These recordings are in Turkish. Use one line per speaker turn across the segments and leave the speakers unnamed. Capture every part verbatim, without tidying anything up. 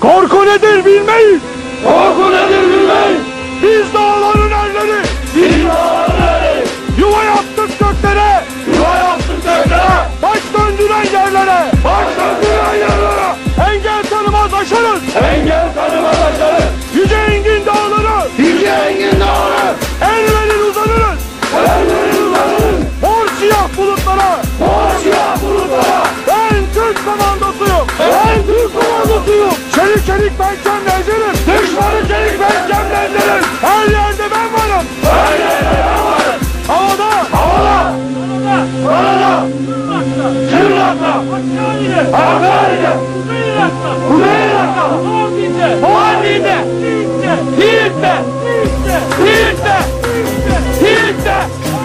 Korku nedir bilmeyiz.
Korku nedir bilmeyiz.
Biz dağların erleri.
Biz dağların erleri.
Yuva yaptık göklere.
Yuva yaptık göklere.
Baş döndüren yerlere.
Baş döndüren yerlere.
Engel tanımaz aşarız.
Engel tanımaz aşarız.
Yüce engin dağları.
Yüce engin dağları.
El verir uzanırız.
El verir uzanırız.
Mor siyah bulutlara.
Mor siyah bulutlara.
Ben Türk komandosuyum.
Ben Türk komandosuyum.
Çelik çelik pençemle ezerim.
Düşmanı çelik pençemle ezerim.
Her yerde ben varım.
Her yerde ben varım.
Havada.
Havada. Karada. Kırlakta. Hakkari'de. Kuzey Irak'ta. Mardin'de. Siirt'te. Siirt'te. Siirt'te.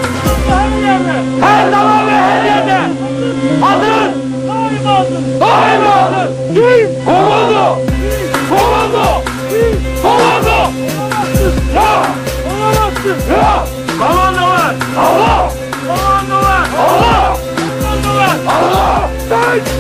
Her zaman ve her yerde. Hazır. Daima hazır. Kim? Komando. Komando. Komando. Ya. Ya.
Komando var.
Allah.
Komando var.
Allah.
Komando var.
Allah.
Ben